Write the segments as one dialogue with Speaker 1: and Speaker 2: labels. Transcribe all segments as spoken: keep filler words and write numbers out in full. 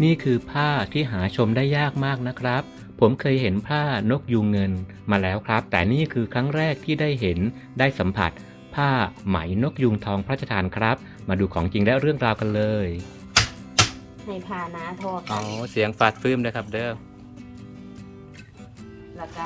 Speaker 1: นี่คือผ้าที่หาชมได้ยากมากนะครับผมเคยเห็นผ้านกยูงเงินมาแล้วครับแต่นี่คือครั้งแรกที่ได้เห็นได้สัมผัสผ้าไหมนกยูงทองพระราชทานครับมาดูของจริงและเรื่องราวกันเลย
Speaker 2: ให้ผ่านะทอ
Speaker 1: อ๋อเสียงฟาดฟื้มนะครับเด้อ
Speaker 2: แล้วก็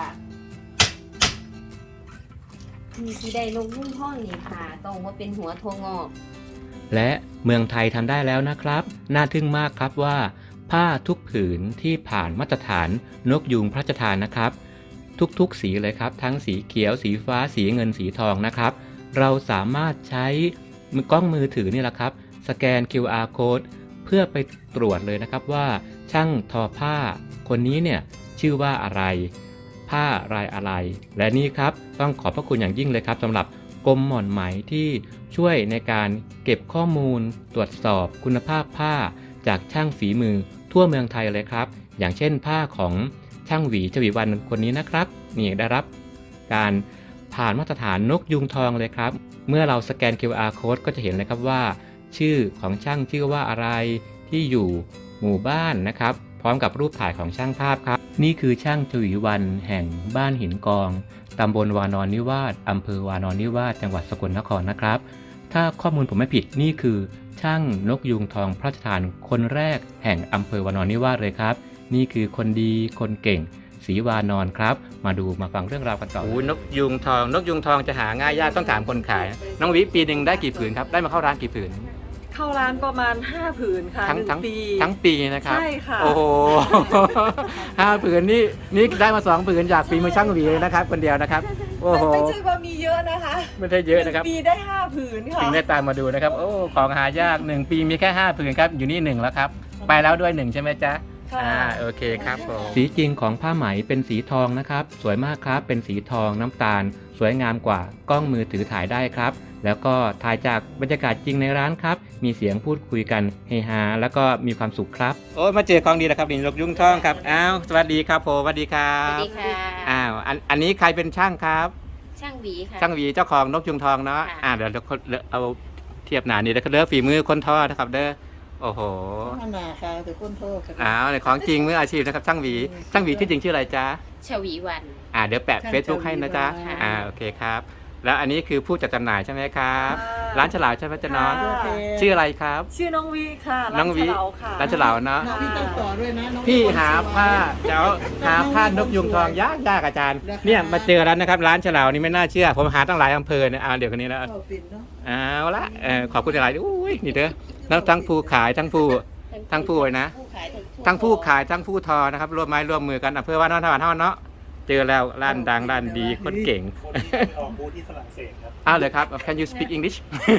Speaker 2: มีสีได้นกยูงทองนี่ผ่าตรงว่าเป็นหัวทงอก
Speaker 1: และเมืองไทยทำได้แล้วนะครับน่าทึ่งมากครับว่าผ้าทุกผืนที่ผ่านมาตรฐานนกยูงพระราชทานนะครับทุกๆสีเลยครับทั้งสีเขียวสีฟ้าสีเงินสีทองนะครับเราสามารถใช้มือกล้องมือถือนี่แหละครับสแกน คิว อาร์ Code เพื่อไปตรวจเลยนะครับว่าช่างทอผ้าคนนี้เนี่ยชื่อว่าอะไรผ้ารายอะไรและนี่ครับต้องขอบพระคุณอย่างยิ่งเลยครับสำหรับกรมหม่อนไหมที่ช่วยในการเก็บข้อมูลตรวจสอบคุณภาพผ้าจากช่างฝีมือทั่วเมืองไทยเลยครับอย่างเช่นผ้าของช่างหวีชวีวันคนนี้นะครับนี่ได้รับการผ่านมาตรฐานนกยูงทองเลยครับเมื่อเราสแกน คิว อาร์ Code ก็จะเห็นเลยครับว่าชื่อของช่างชื่อว่าอะไรที่อยู่หมู่บ้านนะครับพร้อมกับรูปถ่ายของช่างภาพครับนี่คือช่างชวีวันแห่งบ้านหินกองตำบลวานอนนิวาสอำเภอวานอนนิวาสจังหวัดสกลนครนะครับถ้าข้อมูลผมไม่ผิดนี่คือช่างนกยูงทองพระราชทานคนแรกแห่งอำเภอวานอนนิวาสเลยครับนี่คือคนดีคนเก่งศรีวานอนครับมาดูมาฟังเรื่องราวกันต่อโอ้นกยูงทองนกยูงทองจะหาง่ายยากต้องถามคนขายน้องวิปีหนึ่งได้กี่ผืนครับได้มาเข้าร้านกี่ผืน
Speaker 3: เข้าร้านประมาณห้าผืนค่ะ
Speaker 1: ทั้งทั้ง
Speaker 3: ปี
Speaker 1: ทั้งปีนะครับ
Speaker 3: ใช่ค่ะ
Speaker 1: โอ้โหห้าผืนนี่นี่ได้มาสองผืนจากฝีมือช่างหวีเลยนะครับคนเดียวนะครับโอ้โห
Speaker 3: ไม่ใช่ว่ามีเยอะนะคะ
Speaker 1: ไม่ใช่เยอะนะครับ
Speaker 3: ปีได้ห้าผืนค่ะ
Speaker 1: ถึงได้ตามมาดูนะครับโอ้ของหายากหนึ่งปีมีแค่ห้าผืนครับอยู่นี่หนึ่งแล้วครับไปแล้วด้วยหนึ่งใช่ไหมจ๊ะอ่าโอเคครับผมสีจริงของผ้าไหมเป็นสีทองนะครับสวยมากครับเป็นสีทองน้ำตาลสวยงามกว่ากล้องมือถือถ่ายได้ครับแล้วก็ถ่ายจากบรรยากาศจริงในร้านครับมีเสียงพูดคุยกันเฮฮาแล้วก็มีความสุขครับโอ้มาเจอของดีแล้วครับนี่นกยูงทองครับอ้าวสวัสดีครับผมสวัสดีครับ
Speaker 2: สวัสดีค่ะ
Speaker 1: อ้าวอันอันนี้ใครเป็นช่างครับ
Speaker 2: ช่างหวีค่ะ
Speaker 1: ช่างหวีเจ้าของนกยูงทองเนาะอ่าเดี๋ยวเราเอาเทียบหนานี่แล้วก็เด้อฝีมือคนทอนะครับเด้อโอ้โห
Speaker 3: หนาค่ะแต่คนโทษ
Speaker 1: อ้าวในของจริงมืออาชีพนะครับช่างหวีช่างหวีชื่อจริงชื่ออะไรจ๊ะ
Speaker 2: ชวีวัน
Speaker 1: อ่าเดี๋ยวแปะเฟซบุ๊กให้นะจ๊ะอ่าโอเคครับแล้วอันนี้คือผู้จัดจำหน่ายใช่ไหมครับร้านฉลาวใช่ไหมจ๊ะน้องชื่ออะไรครับ
Speaker 3: ชื่อน้องวีค่ะ
Speaker 1: น้องวีร้านฉลาวเนาะ
Speaker 3: พี่ต้องต่อด้วยนะ
Speaker 1: พี่หาผ้าเดี๋ยวหาผ้านกยูงทองยากยากอาจารย์เนี่ยมาเจอแล้วนะครับร้านฉลาวนี่ไม่น่าเชื่อผมหาตั้งหลายอำเภอเนี่ยเอาเดี๋ยวคนนี้แล้วเอาละขอบคุณหลายอุ้ยนี่เด้อทั้งผู้ขายทั้งผู้ทั้งผู้เลยนะทั้งผู้ขายทั้งผู้ทอนะครับร่วมไม้ร่วมมือกันอำเภอว่านอนทวันเท่าเนาะเจอแล้วร้านดังร้านดีคนเก่ง
Speaker 4: ออกบูธที่ฝรั่งเศสครับ
Speaker 1: อ้าวเลยครับ Can you speak English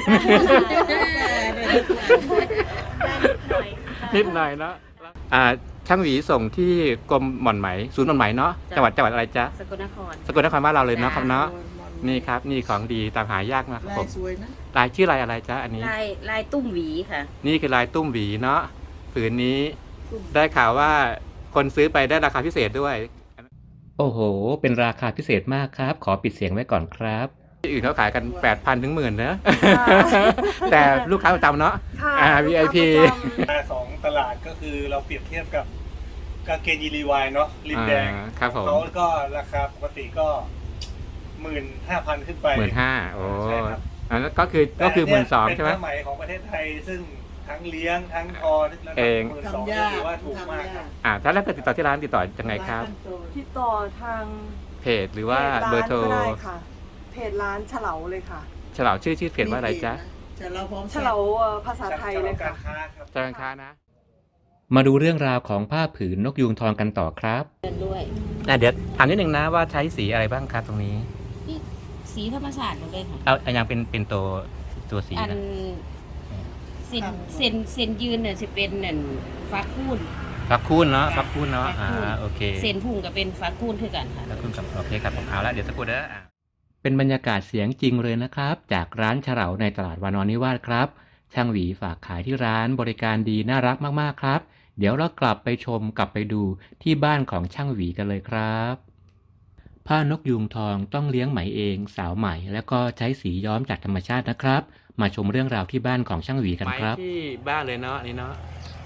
Speaker 1: นิดหน่อยเนาะอ่าช่างหวีส่งที่กรมหม่อนไหมศูนย์หม่อนไหมเนาะจังหวัดจังหวัดอะไรจ๊ะ
Speaker 2: สกลนคร
Speaker 1: สกลนครบ้านเราเลยเนาะครับเนาะนี่ครับนี่ของดีตามหายากมากครับผมลายชื่อลายอะไรจ๊ะอันนี้
Speaker 2: ลายลายตุ้มหวีค่ะ
Speaker 1: นี่คือลายตุ้มหวีเนาะผืนนี้ได้ข่าวว่าคนซื้อไปได้ราคาพิเศษด้วยโอ้โหเป็นราคาพิเศษมากครับขอปิดเสียงไว้ก่อนครับที่อื่นเขาขายกัน แปดพัน ถึงหมื่นนะแต่ลูกค้าประจำเนาะอ่า วี ไอ พี
Speaker 4: ของตลาดก็คือเราเปรียบเทียบกับกางเกงยีรีวายเนาะริมแดง
Speaker 1: ครับผม
Speaker 4: เขาก็ราคาปกติก็หมื่นห้าพันขึ้นไป
Speaker 1: หมื่นห้าโอ้อันนั้นก็คือก็คือหมื่นสองใช่ไหม
Speaker 4: เป็นผ้าไหมของประเทศไทยซึ่งทั้งเลี้ยงทั้งทอ
Speaker 1: เอง
Speaker 4: หมื่นสองถือว่าถูกมากครับ
Speaker 1: อ่าถ้าแล้วก็ติดต่อที่ร้านติดต่อยังไงครับ
Speaker 3: ติดต่อทาง
Speaker 1: เพจหรือว่าเบอร์โทร
Speaker 3: เพจร้านฉลาเลยค่ะ
Speaker 1: ฉลาชื่อชื่อเพจว่าอะไรจ๊ะ
Speaker 3: ฉลาพร้อมฉลาภาษาไทยเลยค่ะ
Speaker 4: จ
Speaker 1: ารค้านะมาดูเรื่องราวของผ้าผืนนกยูงทองกันต่อครับ
Speaker 2: ด้วย
Speaker 1: เดี๋ยวถามนิดหนึ่งนะว่าใช้สีอะไรบ้างครับตรงนี้
Speaker 2: สีธรรมชาติหมดเลยค่ะ
Speaker 1: เอาอันยังเป็นเป็นตัวตัวสีนะ
Speaker 2: เส้นเส้นเส้นยืนเนี่ยจะเป็นเนี่ยฟักคูน
Speaker 1: ฟักคูนเนาะฟักคูนเนาะอ่าโอเค
Speaker 2: เส้นพุ่งก็เป็นฟักคูนคือกันค่ะ
Speaker 1: ฟักคูนกับโอเคครับผมเอาละเดี๋ยวสักครู่เด้อเป็นบรรยากาศเสียงจริงเลยนะครับจากร้านฉลาวในตลาดวานอนนิวาสครับช่างหวีฝากขายที่ร้านบริการดีน่ารักมากๆครับเดี๋ยวเรากลับไปชมกลับไปดูที่บ้านของช่างหวีกันเลยครับผ้านกยูงทองต้องเลี้ยงไหมเองสาวไหมแล้วก็ใช้สีย้อมจากธรรมชาตินะครับมาชมเรื่องราวที่บ้านของช่างหวีกันครับที่บ้านเลยเนาะนี่เนาะ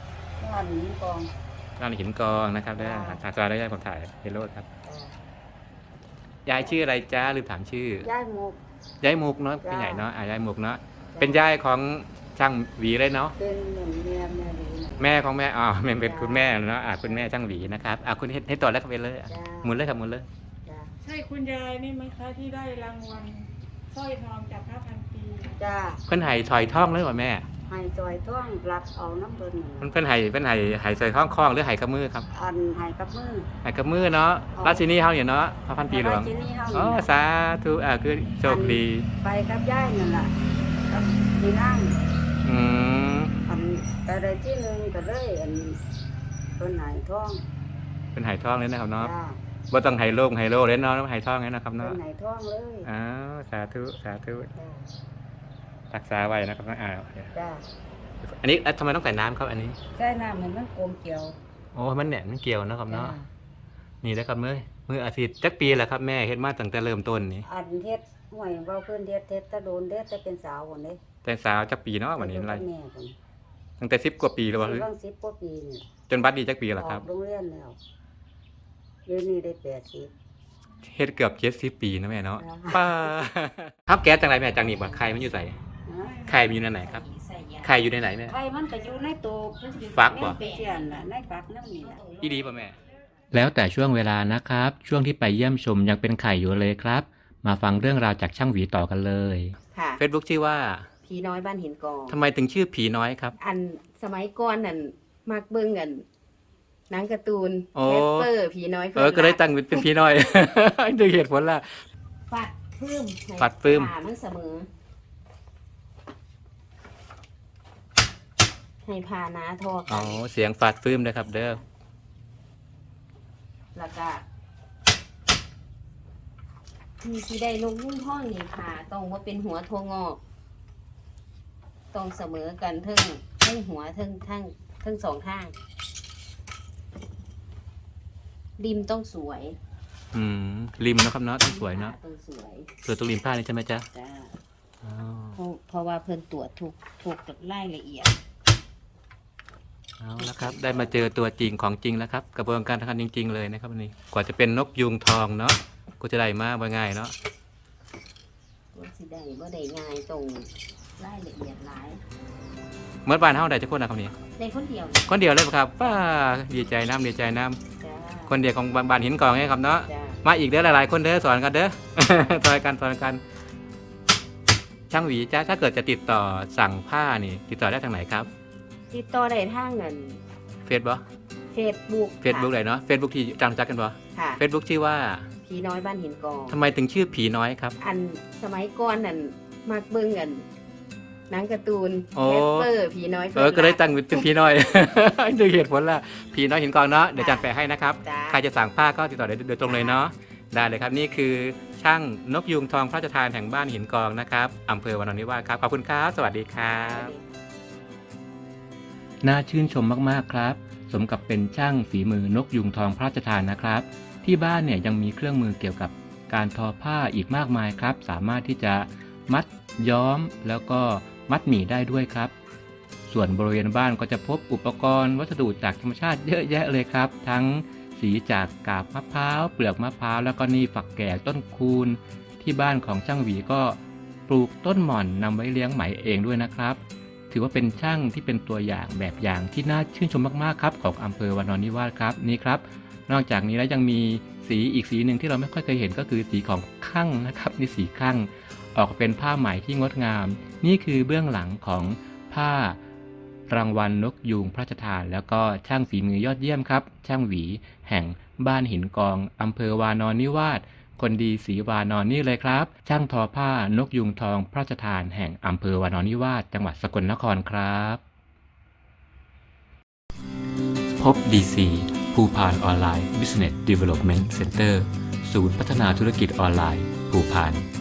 Speaker 5: ร้านหินกอง
Speaker 1: ร้านหินกองนะครับได้ถ่ายซอยได้ยายผมถ่ายเฮโร่ครับยายชื่ออะไรจ้าลืมถามชื่อย
Speaker 5: ายหมก
Speaker 1: ยายมุกเนาะพี่ใหญ่เนาะอ่ายายมุกเนาะเป็นยายของช่างหวีเลยเนาะ
Speaker 5: เป็นเหมือนเมียแม่ดีนะ
Speaker 1: แม่ของแม่อ๋อแม่เป็นคุณแม่เนาะอ่าคุณแม่ช่างหวีนะครับอ่าคุณให้ให้ต่อแล้วก็ไปเลยอ่ะ
Speaker 5: จ้า
Speaker 1: หมุนเลยครับหมุนเลย
Speaker 5: จ้า
Speaker 3: ใช่คุณยายนี่ไหมคะที่ได้รางวัลสร้อยทองจากพระพันปี
Speaker 5: จ้า
Speaker 1: เพิ่นไห้ถอยท่องเลยว่ะแม่
Speaker 5: ให้จอยท่องรับเอาน้ำเบิ่น
Speaker 1: เพิ่นเพิ่นไห้เพิ่นไห้ไห้ใส่ท่องคล้องหรือไห้กับมือครับ
Speaker 5: อันให้กับมือ
Speaker 1: ไห้กับมือเนาะราชินีเฮาเนี่ยเนาะพระพันปีหลวง
Speaker 5: ที่นี่เฮา
Speaker 1: อ๋อ
Speaker 5: นี่นะ
Speaker 1: สาธุอ่าคือโชคดี
Speaker 5: ไปกับยายนั่นล่ะกับที่นั่ง
Speaker 1: อืม
Speaker 5: อันแต่ใดที่หนึ่งก็เลยอันเป็นไหนท่อง
Speaker 1: เป็นไห้ท่องเลยนะครับเนาะ
Speaker 5: จ้า
Speaker 1: บ่ต้องไห้โลกไห้โลเลยเนาะไห้ท่องเลยนะครับ
Speaker 5: เป็
Speaker 1: เนาะ
Speaker 5: นไหนท่องเลย
Speaker 1: อ้าวสาธุสาธุ
Speaker 5: จ้า
Speaker 1: รักษาไว้นะครับอ่า
Speaker 5: จ้า
Speaker 1: อันนี้ทำไมต้องใส่น้ำครับอันนี้
Speaker 5: ใส่น้ำให้มันกลมเกลียว
Speaker 1: โอ้มันแหน่นมันเกี่ยวนะครับ
Speaker 5: จ้า
Speaker 1: เนาะนี่นะครับเมื่อมืออาทิตย์จักปีแหละครับแม่เฮ็ดมาตั้งแต่เริ่มต้นนี่
Speaker 5: อันเฮ็ดห่วยเบาขึ้นเฮ็ดเฮ็ดแตะโดนเด็ดแต่เป็นสาวคนนี้
Speaker 1: แต่สาวจักปีเนาะวันนี้อะไร
Speaker 5: แม่คน
Speaker 1: ตั้งแต่สิบกว่าปีแล้ววะ
Speaker 5: เรื่องสิบกว่าปีนี่
Speaker 1: จนบัดนี้จักปี
Speaker 5: อ
Speaker 1: แล้วค
Speaker 5: อ
Speaker 1: รับ
Speaker 5: กโรงเรียนแล้วเดี๋ยวนี้ได้แปดสิบ
Speaker 1: เฮ็ดเกือบเจ็ดสิบปีนะแม่เนาะ
Speaker 5: จ้า
Speaker 1: ป้าครับแก๊สจังไรแม่จังนี่บ่ไข่มันอยู่ใส่
Speaker 5: ฮะ
Speaker 1: ไข่มันอยู่ในไหนครับ
Speaker 2: ใส่ยา
Speaker 1: ไข่อยู่ในไหนแม่
Speaker 5: ไข่มันก็อยู่ในตู้
Speaker 1: ฟักบ่
Speaker 5: แม่นเสียนน่ะในฟักนั่นนี่ล่ะ
Speaker 1: อีดีป่ะแม่แล้วแต่ช่วงเวลานะครับ ช่วงที่ไปเยี่ยมชมยังเป็นไข่อยู่เลยครับ มาฟังเรื่องราวจากช่างหวีต่อกันเลย
Speaker 2: ค่ะ
Speaker 1: Facebook ชื่อว่า
Speaker 2: ผีน้อยบ้านหินกอง
Speaker 1: ทำไมถึงชื่อผีน้อยครับ
Speaker 2: อันสมัยก่อนนั่นมักเบิ่งกันหนังการ์ตูน
Speaker 1: โอ้
Speaker 2: แคสเปอร์ผีน้อย
Speaker 1: เออก็เลยตั้งเป็นผีน้อย ด้วยเหตุผลล่ะ
Speaker 2: ฟัดฟื้มให้
Speaker 1: ฟัดฟื้ม
Speaker 2: ขามันเสมอ ให้พานาทอ
Speaker 1: อ๋
Speaker 2: กั
Speaker 1: อน เสียงฟาดฟื้มนะครับ เด้อ
Speaker 2: แล้วก็มีสีได้นกยุ่งห้องนี่ค่ะต้องว่าเป็นหัวโทงอกต้องเสมอกันเทั้งทั้งหัวทั้งทั้งทั้งสองข้างริมต้องสวย
Speaker 1: อืมริมเนาะครับเนาะต้องสวยเนาะ
Speaker 2: ต้องสวย
Speaker 1: สวยตรงริมผ้านี่ใช่ไหมจ๊ะ
Speaker 2: จ้า
Speaker 1: อ๋อ
Speaker 2: เพราะเพราะว่าเพิ่นตรวจถูกถูกรายละเอียด
Speaker 1: เอาละครับ ได้มาเจอตัวจริงของจริงแล้วครับ กระบวนการทำงานจริง ๆ เลยนะครับวันนี้กว่าจะเป็นนกยูงทองเนาะก็จะได้มาว่าง่ายเนาะ
Speaker 2: ตัวสิได้บ่ได้ง่ายตรงรายละเอียดหลาย
Speaker 1: เมื่อบ้านเฮาได้จะคนนะครับนี่
Speaker 2: ในคนเดียว
Speaker 1: คนเดียวเลยปะครับป้าดีใจน้ำดีใจน้
Speaker 2: จ้า
Speaker 1: ำคนเดียวของบ้านหินกองไงครับเนาะ
Speaker 2: จ้า
Speaker 1: มาอีกเด้อหลายๆคนเด้อสอนกันเด้อ สอนกันสอนกัน ช่างหวีจ้าถ้าเกิดจะติดต่อสั่งผ้านี่ ติดต่อได้ทางไหนครับ
Speaker 2: ติดต่อได้ทางเงิน
Speaker 1: เฟซบุ๊ก
Speaker 2: เฟซบุ๊ก
Speaker 1: เฟซบุ๊กไหนเนาะเฟซบุ๊กที่จังจักกันบ่
Speaker 2: ค่ะ
Speaker 1: เฟซบุ๊กชื่อว่า
Speaker 2: ผีน้อยบ้านหินกอง
Speaker 1: ทำไมถึงชื่อผีน้อยครับ
Speaker 2: อันสมัยก่อนนั่นมักเบิ่งกันหนังการ์ตูน
Speaker 1: โอ้
Speaker 2: แคสเปอร์ผีน้อย
Speaker 1: เออก็เลยตั้งเป็นผีน้อย ด้วยเหตุผลล่ะผีน้อยหินกองเนาะเดี๋ยวจัดแปะให้นะครับ
Speaker 2: จ้า
Speaker 1: ใครจะสั่งผ้าก็ติดต่อได้โดยตรงเลยเนาะได้เลยครับนี่คือช่างนกยูงทองพระราชทานแห่งบ้านหินกองนะครับอำเภอวานอนนิวาสครับขอบคุณครับ สวัสดีครับ น่าชื่นชมมากๆครับ สมกับเป็นช่างฝีมือนกยูงทองพระราชทานนะครับ ที่บ้านเนี่ยยังมีเครื่องมือเกี่ยวกับการทอผ้าอีกมากมายครับ สามารถที่จะมัดย้อมแล้วก็มัดหมี่ได้ด้วยครับ ส่วนบริเวณบ้านก็จะพบอุปกรณ์วัสดุจากธรรมชาติเยอะแยะเลยครับ ทั้งสีจากกาบมะพร้าวเปลือกมะพร้าวแล้วก็นี่ฝักแก่ต้นคูนที่บ้านของช่างหวีก็ปลูกต้นหม่อนนำไว้เลี้ยงไหมเองด้วยนะครับ ถือว่าเป็นช่างที่เป็นตัวอย่างแบบอย่างที่น่าชื่นชมมากๆครับของอำเภอวานอนนิวาสครับนี่ครับ นอกจากนี้แล้วยังมีสีอีกสีหนึ่งที่เราไม่ค่อยเคยเห็นก็คือสีของคั่งนะครับนี่สีคั่งออกเป็นผ้าไหมที่งดงาม นี่คือเบื้องหลังของผ้ารางวัลนกยูงพระราชทาน แล้วก็ช่างฝีมือยอดเยี่ยมครับช่างหวีแห่งบ้านหินกองอำเภอวานอนนิวาสคนดีศรีวานอนนี่เลยครับช่างทอผ้านกยูงทองพระราชทานแห่งอำเภอวานอนนิวาสจังหวัดสกลนครครับพบ ดี ซี ภูพานออนไลน์ Business Development Center ศูนย์พัฒนาธุรกิจออนไลน์ภูพาน